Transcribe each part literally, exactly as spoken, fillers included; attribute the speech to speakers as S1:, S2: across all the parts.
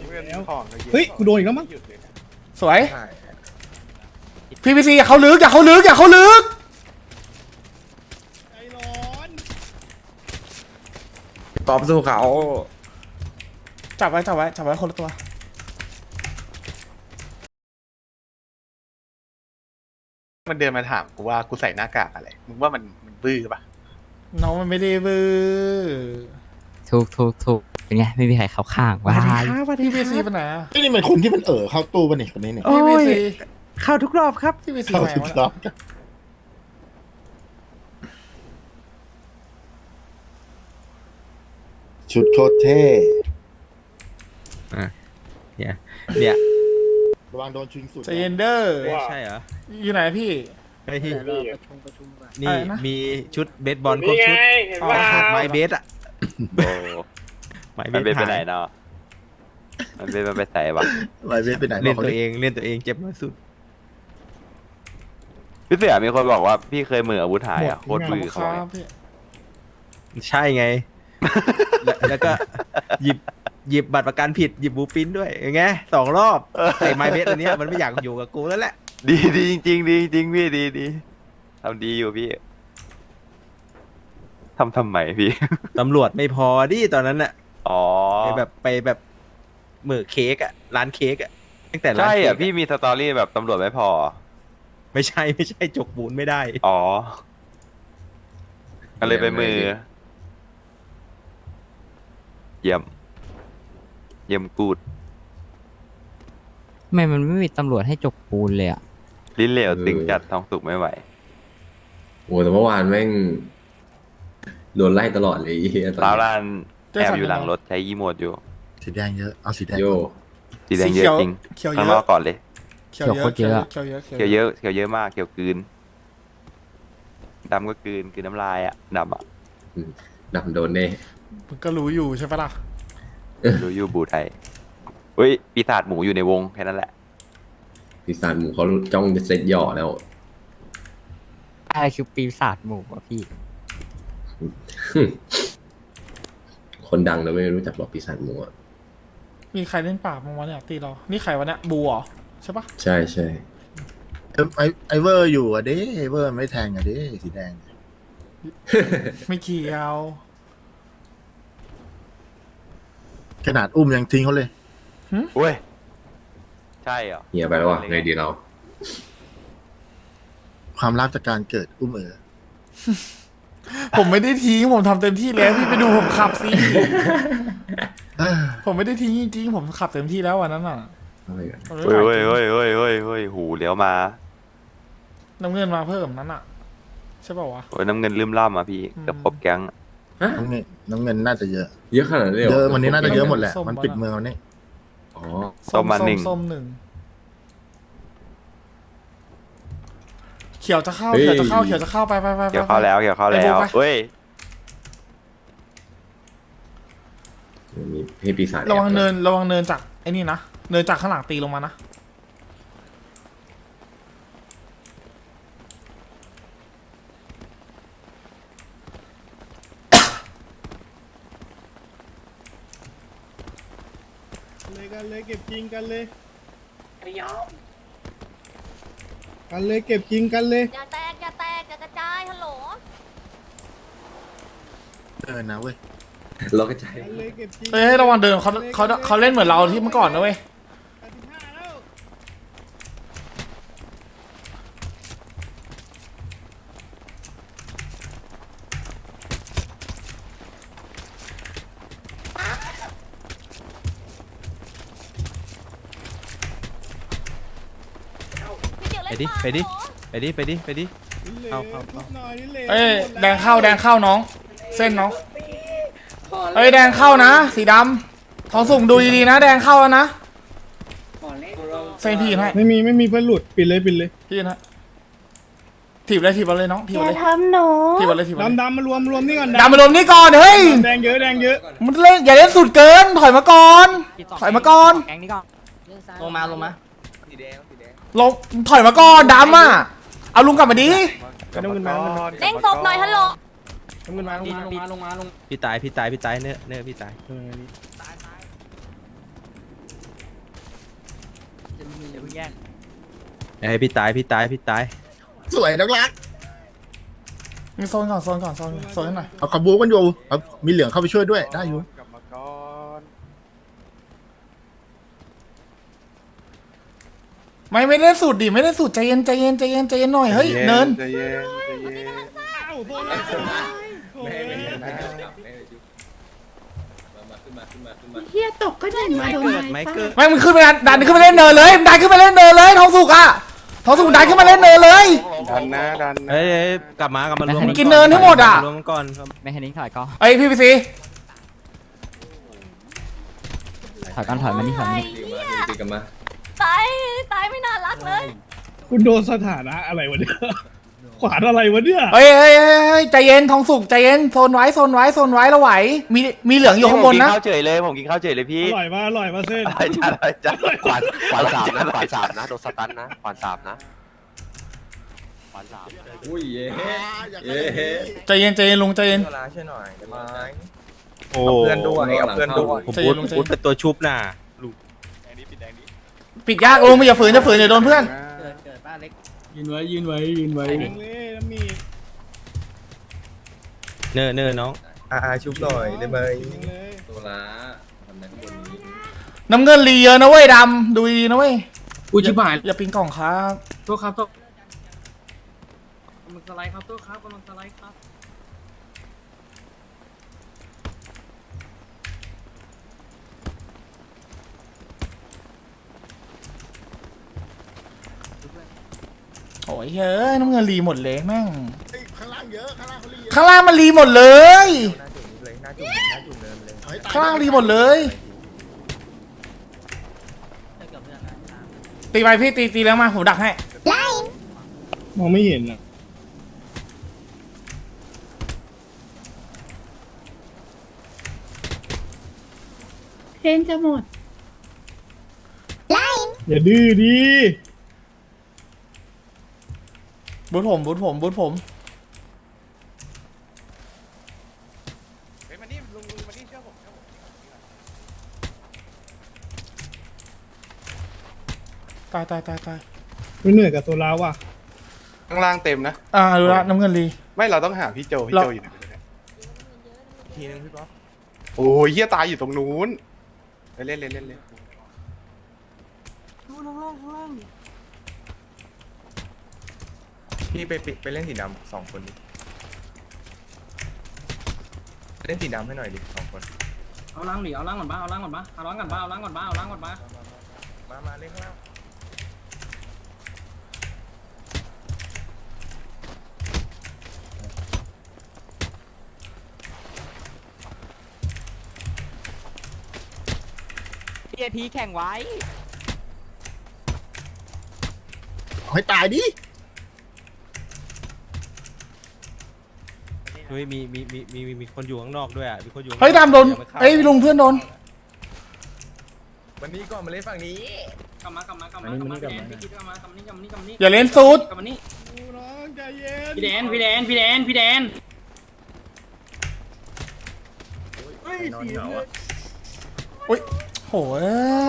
S1: เฮ้ยกูโดนอีกแล้วมั้ง
S2: สวยพีพีซีอย่าเขาลึกอย่าเขาลึกอย่าเขาลึก
S1: ใจร้อน
S3: ตอบสู้เขา
S2: จับไว้จับไว้จับไว้คนละตัว
S4: มันเดินมาถามกูว่ากูใส่หน้ากากอะไรมึงว่ามันมันบื้อปะ
S2: น้องมันไม่ได้บื้อ
S5: ถูกถูกถูกเป็นไงไม่มีใครเข้าข้างว้าย
S2: พีพีซีไปไหนอะ
S6: ไอ้นี่มันคนที่มันเอ่อเข้าตู้ป่ะเนี่ยคนนี้เนี่ย
S2: พีพีซี
S5: เข้าทุกรอบครับ
S2: พีพีซี
S6: เข้า
S2: ไป
S6: ทุก
S2: วะ
S6: รอบชุดโคตรเท่
S3: เนี่ยเนี่ย
S6: ระวังโดนชิงสุด
S2: ใจเย็นเด้อ
S3: ใช่เหรอ
S2: อยู่ไหนพี่
S3: ไอ้ที่
S2: อะ
S3: นี่
S2: ไรนะ
S3: มีชุดเบสบอลครบชุด
S2: อ๋อ
S3: ขาดไม้เบสอะ
S7: โอ้
S3: ไม้เบ
S7: มัน
S3: ส
S7: เป็นไป
S3: หาย
S7: ไหนเนาะมันเป็นมันไปใส่ปะ
S6: ไวเวทไปไหน
S3: เล่น
S6: บกขา
S3: ตัว
S6: ดิ
S3: เองเล่นตัวเองเจ็บน้อยสุด
S7: พี่เสือมีคนบอกว่าพี่เคยมืออาวุธหายอ่ะโคตร
S2: ขอบ
S7: มื
S2: คุ
S7: อ
S2: ณค
S7: เขา
S2: รั
S7: เนี่ย
S2: บพี่
S3: ใช่ไง แล้วแล้วก็หยิบหยิบบัตรประกันผิดหยิบบูปินด้วยไงสองรอบไอ้ไม้เบสอันเนี้ยมันไม่อยากอยู่กับกูแล้วแหละ
S7: ดีดีจริงๆดีจริงพี่ดีดีทำดีอยู่พี่ทำทำไมพี่
S3: ตำรวจไม่พอดิตอนนั้นน่ะ
S7: อ๋อ
S3: ไปแบบไปแบบเหมือเค้กอะร้านเค้กอะตั้งแต่ร้าน
S7: ใช่
S3: เค้
S7: อ่ะ
S3: ก
S7: พี่มีสตอรี่แบบตำรวจไม่พอ
S3: ไม่ใช่ไม่ใช่จกบูนไม่ได้
S7: อ๋อก็เลยไปมือ เยี่ยม เยี่ยมกูด
S5: ทำไมมันไม่มีตำรวจให้จกปูนเลยอ่ะ
S7: ลิ้นเหลวตึงจัดท้องสุกไม่ไหว
S8: โอ้แต่เมื่อวานแม่งโดนไล่ตลอดเลยไอ้เหี้ยตอน
S7: ร้าว
S8: นี้
S7: ร้านแอบอยู่หลังรถใช้ยีโมดอยู่
S6: สีแดงเยอะเอาสีแดง
S8: โย
S7: สีแดงเยอะจริง
S2: เขียวเย
S7: ข้างน
S2: อะ
S7: อกก่อนเลย
S2: เขียวเยอะเขียวเยอะเขียวเยอะ
S7: เขียวเยอะเขียวเยอะมากเขียวกลืนดำก็กลืนกลืนน้ำลายอ่ะดำอ่ะ
S8: ดำโดนเน่
S2: มึงก็รู้อยู่ใช่ปะล่ะ
S7: รู้อยู่บูไทยเฮ้ยปีศาจหมูอยู่ในวงแค่นั้นแหละ
S8: ปีศาจหมูเขาจ้องจะเซ็ตหย่อแล้ว
S5: อะไรคือปีศาจหมู่วะพี่
S8: คนดังเราไม่รู้จักหรอกปีศาจหมูอะ
S2: มีใครเล่นปราบมั้งวะเนี่ยตีเรานี่ใครวะเนี่ยบัวใช่ปะ
S8: ใช่ใช่
S6: เออไอไอเวอร์อยู่อ่ะเด้ไอเวอร์ไม่แทงอ่ะเด้สีแดง
S2: ไม่เขียว
S6: ขนาดอุ้มยังทิ้งเขาเลย
S7: เว้ยใช่เหรอ
S8: เฮียไปแล้ววะไงดีเรา
S6: ความลับจากการเกิดอุ้มเอ๋อ
S2: ผมไม่ได้ทิ้งผมทำเต็มที่แล้วพี่ไปดูผมขับสิ
S6: เอ้อ
S2: ผมไม่ได้ทิ้งจริงๆผมขับเต็มที่แล้ววันนั้นอ่ะ
S8: อะไรกัน
S2: มันไม่
S7: เฮ้ย
S2: ไหว
S7: เฮ้ยเฮ้ยเฮ้ยเฮ้ยเฮ้ยหูเลี้ยวมา
S2: น้ำเงินมาเพิ่มนั้นอ่ะใช่ป่าวะ
S7: โอ้ยน้ำเงินลืมล่ำอ่ะพี่
S2: อืม
S7: เกือบครบแก๊ง
S6: น้ำเงินน้ำเงินน่าจะเยอะ
S8: เยอะขนาดนี้นเลยเหร
S6: เย
S8: อ
S6: อะวันนี้น่าจะเยอะหมดแหละ
S2: ส้ม
S6: มัน
S2: บอล
S6: ปิด
S2: อะ
S6: เมืองวันนี้
S8: อ๋อ
S7: ส้มมาหนึ่ง
S2: ส้มหนึ่งเขียวจะเข้าเขียวจะเข้าเขียวจะเข้าไปไปไปไป
S7: เกี่ยวเข้าแล้วเกี่ยวเข้าแล้ว
S2: ไอ้บุ๊คไป
S7: เฮ้ย
S8: มีให้ปีศาจ
S2: ระวัง
S8: แอบ
S2: เนินระวังเนินจากไอ้นี่นะเนินจากข้างหลังตีลงมานะ
S1: เลยกันเลยเก็บจริงกันเลยกันเลยเก็บจริงกันเลย
S9: อย่าแตก อย่าแตก อย่ากระจาย ฮัลโหล
S6: เออนะเว้ย
S8: เราก็ใจ
S1: กันเลยเก็บจริง
S2: เฮ้ยระวังเดินเขาเขาเขาเล่นเหมือนเราที่เมื่อก่อนนะเว้ย
S1: แปดสิบห้าแล้ว
S9: พี่เดี๋ยว
S3: ไป
S9: เล่น
S3: ดิ
S9: ปาก
S3: ไปดิ
S9: เหรอ
S3: ไปดิไปดิไปดิ
S1: เหล
S3: เอา
S1: ว
S3: เอาเอา
S1: ทุบหน่อยนี่เหลว
S2: เอ้ย
S1: หม
S2: แดงเข้าแดงเข้าน้อง เส้นน้องเอ้ยแดงเข้านะ สีดำทองสุ่มดูดีๆนะ แดงเข้าแล้วนะเส้นพี่ให้
S1: ไม่มีไม่มีเพื่อนหลุดปิดเลยปิดเลย
S2: พี่นะถีบเลยถีบเอาเลยน้องถีบ
S9: อ
S2: เอา
S9: ย่า
S2: เลย
S9: ทำหนู
S2: ถีบเอาเลยถีบเอาเลย
S1: ดำดำมารวมรวมนี่ก่อน
S2: ดำมารวมนี่ก่อนเฮ้ย
S1: แดงเยอะแดงเยอะ
S2: มันเล่นอย่าเล่นสุดเกิน ถอยมาก่อน ถอยมาก่อน
S5: แกงนี้ก่อน
S2: ลงมาลงมาลงถอยมาก่อนดำอ่ะเอาลุงกลับมาดิ
S1: น้ำเงินมาน้ำเงินมา
S9: เด้งศพหน่อยฮัลโหล
S1: น้ำเงินมาลงมาลงมาลงมาลง
S3: พี่ตายพี่ตายพี่ตายเนื้อเนื้อพี่ตาย
S1: เออนี่
S3: ไอ้ยพี่ตายพี่ตายพี่ตาย
S6: สวยนักรัก
S2: มีโซนก่อนโซนก่อนโซนโซนให้หน่อย
S6: เอาขบูกันอยู่เอามีเหลืองเข้าไปช่วยด้วยได้อยู่
S4: กลับมาก่อน
S2: ไม่ไม่ได้สูตรดิไม่ได้สูตรใจเย็นใจเย็นใจเย็นใจเย็นหน่อยเฮ้ยเนิน
S4: ใจเย็นใจเย็น
S1: อ้าวโซนแล้วโอ้ย
S10: เฮียตกก็ได้มาโดน
S3: เกิดไหมเกิด
S2: ไม่มึงขึ้นไปดันดันขึ้นไปเล่นเนินเลยดันขึ้นไปเล่นเนินเลยทองสุกอะทองสุกดันขึ้นมาเล่นเนินเลย
S4: ดันนะดันนะ
S3: เอ้ยเอ้ยกลับมากลับมารวม
S5: ให้
S2: กินเนินให้หมดอะ
S3: รวมกันก่อนครับ
S5: ไม่ให้นิ้งถอยก็
S2: ไอยพี่พีซี
S5: ถอยก่อนถอยมานี่ถอยมานี่
S8: ตีกันมา
S9: ตายตายไม่น่ารักเลย
S1: คุณโดนสถานะอะไรวะเนี่ยขวานอะไรวะเนี่ย
S2: เฮ้ยเฮ้ยเฮ้ยเฮ้ยใจเย็นทองสุกใจเย็นโซนไว้โซนไว้โซนไว้เราไหวมีมีเหลืองอยู่ข้างบนนะ
S7: ผมกิข้าวเฉยเลยผมกินข้าวเฉยเลยพี่
S1: อร่อยมาอร่อยมาเส้น
S7: อะไรจ้าอะไรจ้า
S11: ขวานขวานสามนะขวานสามนะโดนสตันนะขวานสามนะขวานสาม
S8: อุ้ยเย้
S6: อยาก
S8: เย้
S2: ใจเย็นใจเย็นลุงใจเย็น
S3: โอ้
S8: เพื่อนด้วยเอาเพื่อนด้วย
S3: ผมพูดผมพูดเป็นตัวชุบน่ะลูก
S2: ปิดยากลุงไม่อย่าฝืนอย่าฝืนเดี๋ยวโดนเพื่อน
S1: ยืนไว้ยืนไว้ยืนไว้เล่น้ำมี
S3: เนิ่นเนิ่นน้อง
S1: เลย
S8: โซล่าทำได้ข้างบนนี้
S2: น้ำเงินรีเยอะนะเว้ยดำดูดีๆนะเว้ย
S1: อุ้ยชิบหาย
S2: อย่าปิงกล่องครับ
S1: โทษครับโทษกำลังสไลด์ครับโทษครับกำลังสไลด์ครับ
S2: โอ้ยเฮ้ยน้ำเงินรีหมดเลยแม่ง
S6: ข้างล่างเยอะข้างล่างเขาเยอะ
S2: ข้างล่างมันรีหมดเลย
S6: เอให้ตย
S2: ข้างล่างรีหมดเลยตีไปพี่ตีตีแล้วมาผมดักให้
S1: มองไม่เห็นอ่ะ
S10: เพลงจะหมด
S1: อย่าดื้อดิ
S2: บูทผมบูทผมบูทผม
S4: เฮ้ยมานี่ลุงลุงมานี่เชื่อผมเชื่อผม
S2: ตายตายตายตาย
S1: ไม่เหนื่อยกับโซลาว่ะ
S4: ข้างล่างเต็มนะ
S2: อ่าดูละน้ำเงินรี
S4: ไม่เราต้องหาพี่โจพี่
S2: เรา
S4: โจอยู่ไหนไม่รู้เนี่ยทีนึงพี่ป๊อปโอ้ยเฮียตายอยู่ตรงนู้นไปเล่นเล่นเล่นเล่น
S11: พี่ไปไปเล่นสีดำสองคนดิเล่นสีดำให้หน่อยดิสองคน
S1: เอาล้างหนิเอาล้างก่อนบ้าเอาล้างก่อนบ้าเอาล้างก่อนบ้าเอาล้างก่อนบ้าเอาล้างก่อนบ้า
S11: มามาเล่นข้างล่าง
S5: พี่ไอพีแข่งไว้
S6: เอาให้ตายดิ
S3: เฮ้ยมีมีมีมีมีคนอยู่ข้างนอกด้วยอ่ะมีคนอยู่ข้างนอก
S2: เฮ้ยดำโดน
S3: อาไปฆ่า
S2: เอ้ยลุงเพื่อนโดน
S11: วันนี้ก่อนมาเล่นฝั่งนี้
S1: กลับมากลับมากลับมากลับมาพี่แดนพี่คิดกลับมากลับมานี่กลับมานี่กลับมานี่
S2: อย่าเล่นซูด
S1: กลับมานี่น้องใจเย็นพี่แดนพี่แดนพี่แดนพี่แดน
S11: นอนเหงาอ่ะ
S2: อุ้ยโหย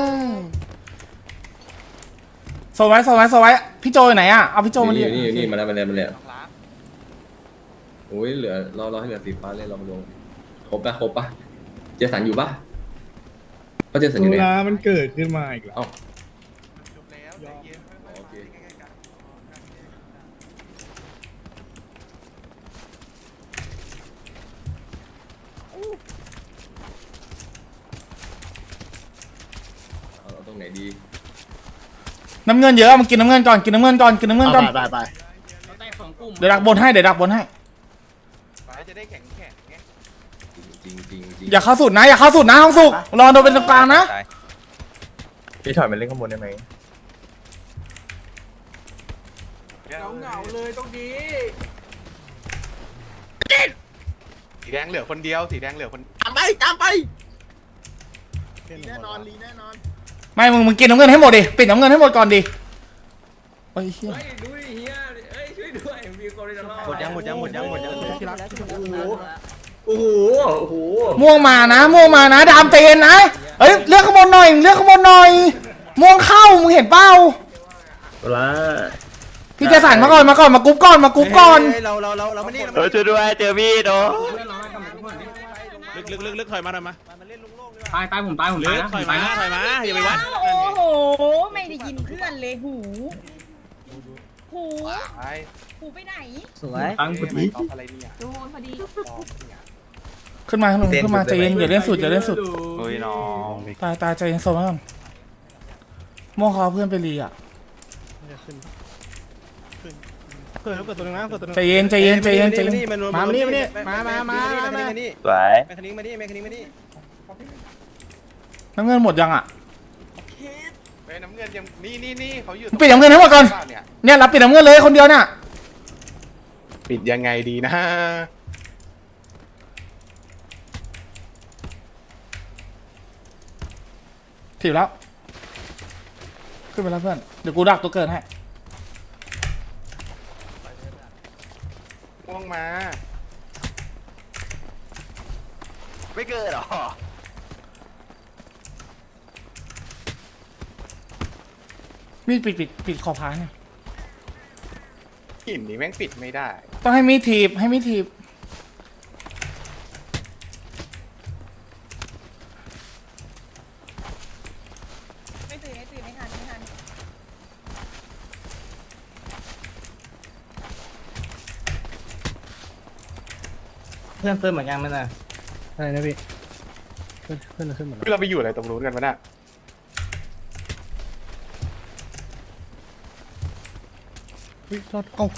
S2: โซไว้โซไว้โซไว้พี่โจอยู่ไหนอ่ะเอาพี่โจมา
S8: นี่
S2: เรีย
S8: อยู่
S2: ก
S8: นี่อยู่นี่มาแล้วมาแล้วมาแล้วโอ้ยเหลือรอรอให้เหลือสีฟ้าเลยเรามาลงครบปะครบปะเจสันอยู่ปะเขาเจสัน
S1: โซ
S8: อยู่ไหน
S1: ลามันเกิดขึ้นมาอีกแล้ว
S8: เอ้า
S4: จบแล้วใจเย็น
S8: โอเค
S4: ใกล้ๆกัน
S8: เอาเอาตรงไหนดี
S2: น้ำเงินเยอะมันกินน้ำเงินก่อนกินน้ำเงินก่อนกินน้ำเงินก่อน
S6: ไปไปไป
S1: เราแตกสองกลุ่ม
S2: เดี๋ยวดักบนให้เดี๋ยวดักบนให้
S4: ฟ้าจะได้แข็งแข็งไง
S8: จริงจริงจริง
S2: อย่าเข้าสุดนะอย่าเข้าสุดนะห้องสุกรอโดนเป็นตรงกลางนะ
S3: ตาย
S11: พี่ถอยมาเล่นข้างบนได้ไหม
S4: เหงาเลยตรงนี้สีแดงเหลือคนเดียวสีแดงเหลือคน
S6: ตามไปตามไปลีแน่นอนลีแน่นอน
S2: ไม่มึงมึงกินน้ำเงินให้หมดดิปิดน้ำเงินให้หมดก่อนดิโอ้ยเหี้ย
S3: หมดยังหมดยังหมดยังหมดยังที่รัก
S8: โอ้โหโอ้โห
S2: ม่วงมานะม่วงมานะดามเตนนะเอ้ยเลือกข้างบนหน่อยเลือกข้างบนหน่อยม่วงเข้ามึงเห็นเปล่า
S6: ละ
S2: พี่เจสันมาก่อนมาก่อนมากรุ๊ปก่อนมากรุ๊ปก่อน
S3: เฮ้ยเราเราเราเราไม่นี่
S7: เออช่วยด้วยเจอมีดโอ้
S1: เพื่อนเราให้กำลังเพื่อนดิ
S4: ลึกลึกลึกลึกถอยมาถอยมา
S1: ตายตายผมตายผม
S4: ลึ
S1: ตาย
S4: ก
S1: นะ
S4: ถอยมาถอยมาอย่าไปวัด
S10: โอ้โห ไม่ได้ยินเพื่อนเลยหู หู
S4: ไป
S10: หูไปไหน
S5: สวย
S1: ตั้งพอดี
S4: เอาอะไรเนี่ย
S9: ดูพอดี
S2: ขึ้นมาขึ้นมาใจเย็นอย่าเล่นสุดอย่าเล่นสุด
S7: โอ้ยน้อง
S2: ตายตายใจเย็นโซนก่อนม่วงเขาเอาเพื่อนไปรีอ่ะ
S3: เกิดเกิดตัวนึงนะเกิดตัวนึง
S2: ใจเย็นใจเย็นใจเย็นใจเย็น
S3: มานี่มานี่มามามามานี่
S7: สวย
S3: แมคคานิกมานี่แมคคานิกมานี่
S2: น้ำเงินหมดยังอ่ะ
S4: เฮ้ยน้ำเงินยังนี่นี่นี่เขาอยู่
S2: ปิดน้ำเงินให้หมดก่อน
S4: เนี่ย
S2: เนี่ยรับปิดน้ำเงินเลยคนเดียวเนี่ย
S4: ปิดยังไงดีนะ
S2: ถีบแล้วขึ้นไปแล้วเพื่อนเดี๋ยวกูดักตัวเกินให้
S4: ม่วงมา
S7: ไม่เกิดหรอ
S2: มีดปิดปิดปิดขอบพายเนี่ย
S4: หินนี่แม่งปิดไม่ได้
S2: ต้องให้มีดถีบให้มีดถีบ
S10: ไม่ตื่นไม่ตื่นไม่ทันไม่ทัน
S5: เพื่อนเฟิร์มเหมือนกันมั้ยน่ะ
S3: ใช่นะพี่เพื่อนเพื่อนขึ้นหมด
S4: เราไปอยู่อะไรตรงนู้นกันวะน่ะ
S3: เฮ้ยรอดเอ้า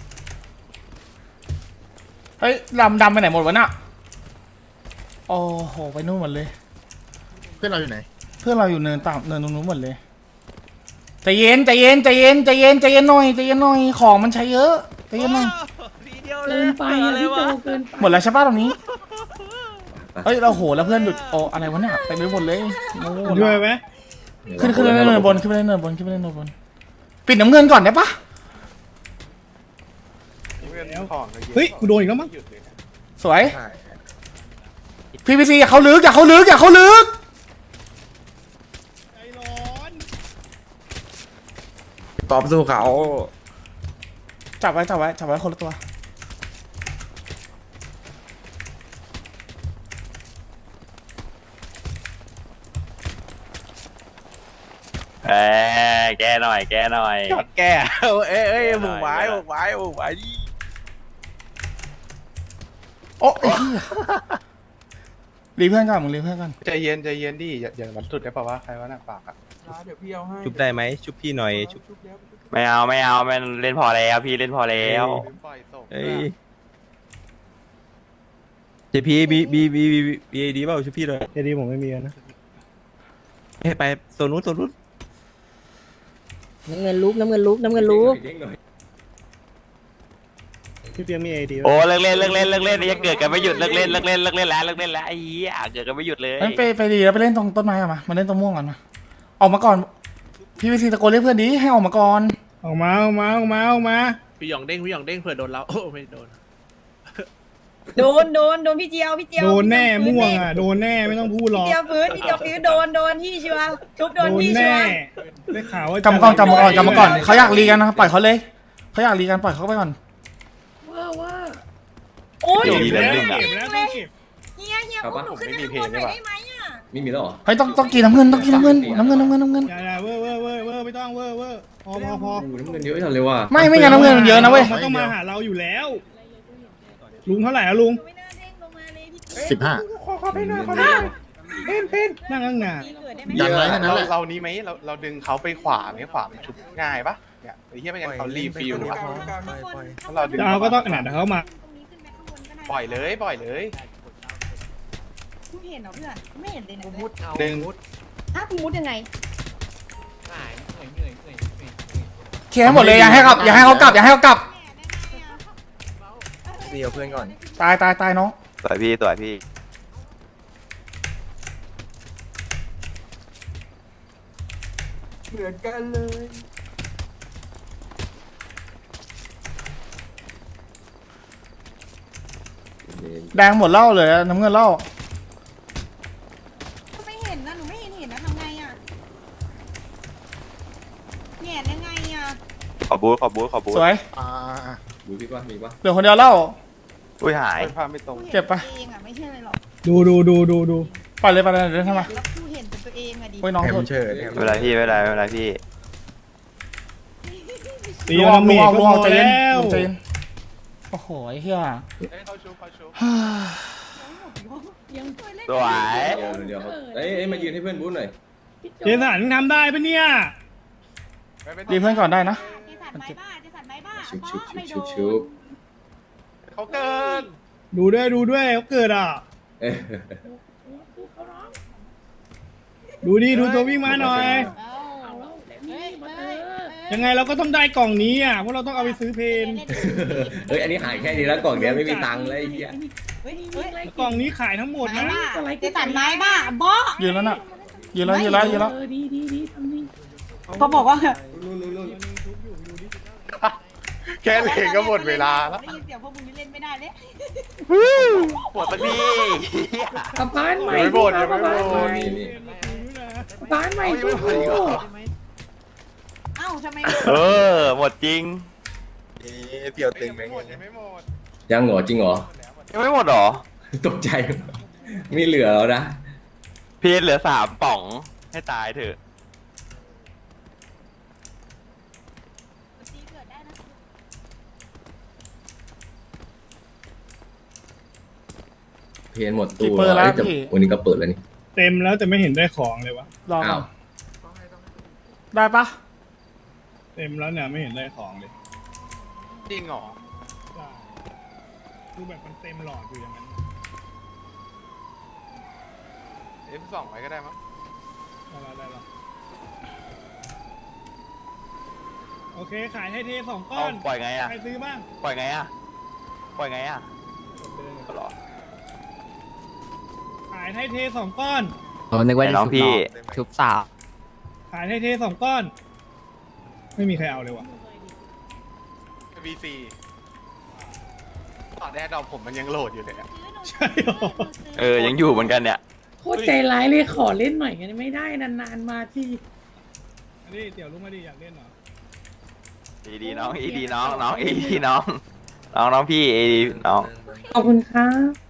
S2: เฮ้ยดำดำไปไหนหมดวะน่ะโอ้โหไปนู่นหมดเลย
S6: เพื่อนเราอยู่ไหน
S2: เพื่อนเราอยู่เนินต่ำเนินตรงนู้นหมดเลยใจเย็นใจเย็นใจเย็นใจเย็นใจเย็นหน่อยใจเย็นหน่อยของมันใช้เยอะใจเย็นหน่อย
S10: เกินไปอ่ะพี่โจเกินไป
S2: หมดแล้วใช่ป่ะตรงนี้เฮ้ยเราโหแล้วเพื่อนหยุดโอ้อะไรวะเนี่ยเต็มไปหมดเลยโอ้โห
S3: ด้วยไหม
S2: ขึ้นขึ้นไปเล่นเนินบนขึ้นไปเล่นเนินบนขึ้นไปเล่นเนินบนปิดน้ำเงินก่อนได้ปะ
S4: น้ำเงินของเยอะ
S3: เฮ้ยกูโดนอีกแล้วมั้ง
S4: หยุดเลยนะ
S2: สวยพีพีซีอย่าเขาลึกอย่าเขาลึกอย่าเขาลึก
S3: ใจร้อน
S11: ตอบสู้เขา
S2: จับไว้จับไว้จับไว้คนละตัว
S7: เอ้ยแกหน่อยแกหน่อย
S3: แกเอ้ยเอ้ยบุกไว้บุกไว้บุกไว้ดิ
S2: โอ้ยรีเพื่อนก่อนมึงรีเพื่อนก่อน
S4: ใจเย็นใจเย็นดิอย่าอย่ามันสุดได้ป่าวะใครวะน่ะปากอ่ะ
S3: ชุบได้ไหมชุบพี่หน่อยชุบ
S7: ไม่เอาไม่เอาไม่เล่นพอแล้วพี่เล่นพอแล้ว
S4: ปล่อยศพ
S3: เอ้ยเจพีบีบีบีบีบีดีเปล่าชุบพี่เลยเจดีผมไม่มีนะให้ไปโซนนู้นโซนนู้น
S5: น้ำเงินลุกน้ำเงินลุกน้ำเงินลุก
S3: พี่เปียมีไอดี
S7: โอ้เลิกเล่นเลิกเล่นเลิกเล่นยังเกิดกันไม่หยุดเลิกเล่นเลิกเล่นเลิกเล่นแล้วเลิกเล่นแล้วไอ้เหี้ยเกิดกันไม่หยุดเลย
S2: งั้นไปไปดีแล้วไปเล่นตรงต้นไม้กันมามาเล่นตรงม่วงกันมาออกมาก่อนพีพีซีตะโกนเรียกเพื่อนดีให้ออกมาก่อน
S3: ออกมาออกมาออกมาออกมา
S4: พี่หยองเด้งพี่หยองเด้งเผื่อโดนเราโอ้ไม่โดน
S10: โดนโดนโดนพี่เจียวพี่เจียว
S3: โดนแน่ม่วงอ่ะโดนแน่ไม่ต้องพูดหร
S10: พี่
S3: อก
S10: เจียวฟื้นพี่เจียวฟื้นโดนโดนที่ชัวร์ชุบโด
S3: โด
S10: น
S3: น
S10: ที่ชั
S3: แน่
S10: วร์
S3: ได้ข่าวว่าก
S2: ำมาก่อนกำมาก่อนกำมาก่อนเขาอยากรีกันนะปล่อยเขาเลยเขาอยากรีกันปล่อยเขาไปก่อน
S10: โอ้ย
S7: ดีแล้วหนึ่งอ่ะ
S3: เก็บแล้วต้องเก็บ
S10: เฮียเฮียอุ้มหนูขึ้นไปข้างบนหน่อยได้ไหมอ่ะ
S8: ไม่มีแล้วเหรอ
S2: เฮ้ยต้องต้องกินน้ำเงินต้องกินน้ำเงินน้ำเงินน้ำเงินน้ำเงิน
S3: อย่าอย่าเวอร์เวอร์เวอร์เวอร์ไม่ต้องเวอร์เวอร์พอพอพอ
S8: โอ้โหน้ำเงินเยอะจังเลยว่ะ
S2: ไม่ไม่งั้นน้ำเงินมันเยอะนะเว้ย
S3: มันต้องมาหาเราอยู่แล้ว ลุงเท่าไหร่อะลุง
S10: ไม่น่าเด้งลงมาเลยพี่
S6: สิบห้า
S3: นั่งข้างหน้า
S10: เกิดได้ไหม
S6: ยันไว้แค่นั้น
S4: เรา
S6: แหละ
S4: เรานี้ไหมเราเราดึงเขาไปขวาไหมขวามันชุบง่ายปะเนี่ยไอ้เหี้ยไม่งั้นเขารีฟิลอะถ้าเราดึง
S3: เราก็ต้องขนาดเขามา
S4: ปล่อยเลยปล่อยเลย
S10: กูเห็นเหรอเพื่อนไม่เห็นเลยนะ
S4: ดึง
S10: ถ้ากูมุดยังไง
S2: เคลียร์ให้หมดเลยอย่าให้กลับอย่าให้เขากลับอย่าให้เขากลับ
S11: เดียวเพื่อนก่อน
S2: ตายตายตายน้อง
S7: สวยพี่สวยพี่
S2: แดงหมดเหล้าเลยน้ำเงินเหล้า
S10: ไม่เห็นนะหนูไม่เห็นเห็นนะทำไงอ่ะงนยังไงอ่ะ
S7: ขอบูทขอบูทขอบูท
S2: สวย
S4: อ่า
S8: ดูพี่ว่ามีปะ
S2: เหลือคนเดียวเล่า
S7: อุ้ยหาย
S4: ไปพาไม่ตรง
S2: เก็บปะ
S10: เองอ่ะไม่ใช่อะไรหรอก
S12: ดูดูดูดูดู
S2: ปล่อยเลยไปเลยเดินทำไม
S10: แล้วกูเห็นแต่ตัวเองอ่ะดิ
S2: โอ้ยน้อง
S3: แฮ
S2: โท
S3: ม
S2: ษ
S3: เชิญ
S7: ไม่เป็นไรพี่ไม่เป็นไรไม่เป็นไรพี่
S12: ตี
S2: ลุง
S12: เอา
S2: ออกลุ
S12: เม
S2: ง
S12: จ
S2: ออก
S12: ก็
S2: ลุง
S12: พ
S2: อ
S12: อ
S2: อกใจเย็น
S12: แล้ว
S2: ลุงใจเย็นโอ้โหไอ้เหี้ย
S4: เอ้ยเขาชูเขาชู
S7: สวย
S8: เดี๋ยวเดี๋ยวเขาเอ้ยเอ้ยมายืนให้เพื่อนบู๊หน่อย
S12: เจสันทำได้ปะเนี่ย
S2: รีบเพื่อนก่อนได้นะ
S10: เจสันไม้บ้าเจสันไม้บ้า
S8: ชุบชุบ
S10: ไม่
S8: ชุบ
S10: โด
S8: ชุบชุบ
S4: เขาเกิน
S12: ดูด้วยดูด้วยเขาเกิดอ่ะ
S8: เอ้ย
S12: ดูดิดูตัววิ่งมาหน่อย
S10: เอาเฮ้ยเฮ้ย
S12: ยังไงเราก็ต้องได้กล่องนี้อ่ะเพราะเราต้องเอาไปซื้อเพน
S8: เฮ้ยอันนี้หายแค่นี้แล้วกล่องเนี้ยไม่มีตังค์เลยไอ้เหี้ย
S10: เฮ้ยเฮ้ย
S12: กล่องนี้ขายทั้งหมด
S10: ไม้
S12: นะ
S10: บ้าเจสันไม้บ้าบอ
S2: ยืนแล้วน่ะยืนแล้วยืนแล้วยืนแล้ว
S10: เขาบอกว่า
S8: นู่นนู่นนู่น
S4: แค่เหลงก็หมดเวลาแล้ว
S10: ได้ยินเสียงพวกมึงนี่เล่นไม่ได้เลย
S7: ปวดมันดี
S4: ยังไม่หมดยังไม่หมด
S8: นี่นี่
S7: บ้านใหม่ด้วย
S10: เอ้าทำไม
S7: เออหมดจริง
S3: เปี่ยวตึงไหม
S4: ยังไม่หมดยังไม่หมด
S8: ยังเหรอจริงเหรอ
S7: ยังไม่หมดหรอ
S8: ตกใจไม่เหลือแล้วนะ
S7: พี่เหลือสามป่องให้ตายเถอะ
S8: เพนหมด
S2: กี่
S8: ตู้
S2: เปอร์แล้ว
S8: เอ้ยแต่
S2: พี่
S8: วันนี้ก็เปิดแล้วนี่
S12: เต็มแล้วแต่ไม่เห็นได้ของเลยวะ
S2: รอก่
S8: อ้า
S2: อ
S8: วน
S2: ได้ปะ
S12: เต็มแล้วเนี่ยไม่เห็นได้ของเลย
S4: จริงเหรอ
S12: คือแบบมันเต็มหลอดอยู่อย่างนั้น
S4: เอฟสองไว้ก็ได้มั้ง
S12: ได้แล้วได้แล้วโอเคขายให้เทสองก้
S7: เอา
S12: อน
S7: ปล่อยไงอ่ะ
S12: ใครซื้อบ้าง
S7: ปล่อยไงอ่ะปล่อยไงอ่ะก็รอ
S12: ขายให้เทสองก้อน
S5: ผมนึกว่า
S7: แต่น้องพี่
S5: ชุบสาว
S12: ขายให้เทสองก้อน ไม่มีใครเอาเลยวะ
S4: บีซีตอนแรกดอกผมมันยังโหลดอยู่เลยอะ
S12: ใช่หรอ
S7: เออยังอยู่เหมือนกันเนี่ย
S1: โคตรใจร้ายเลยขอเล่นหน่อยกันไม่ได้นานๆมาที่
S12: อันนี้เดี๋ยวรู้มาดิอยากเล่นเหรอ
S7: อีดีน้องอีดีน้องน้องอีดีน้องน้องน้องพี่อีดีน้อง
S1: ขอบคุณครับ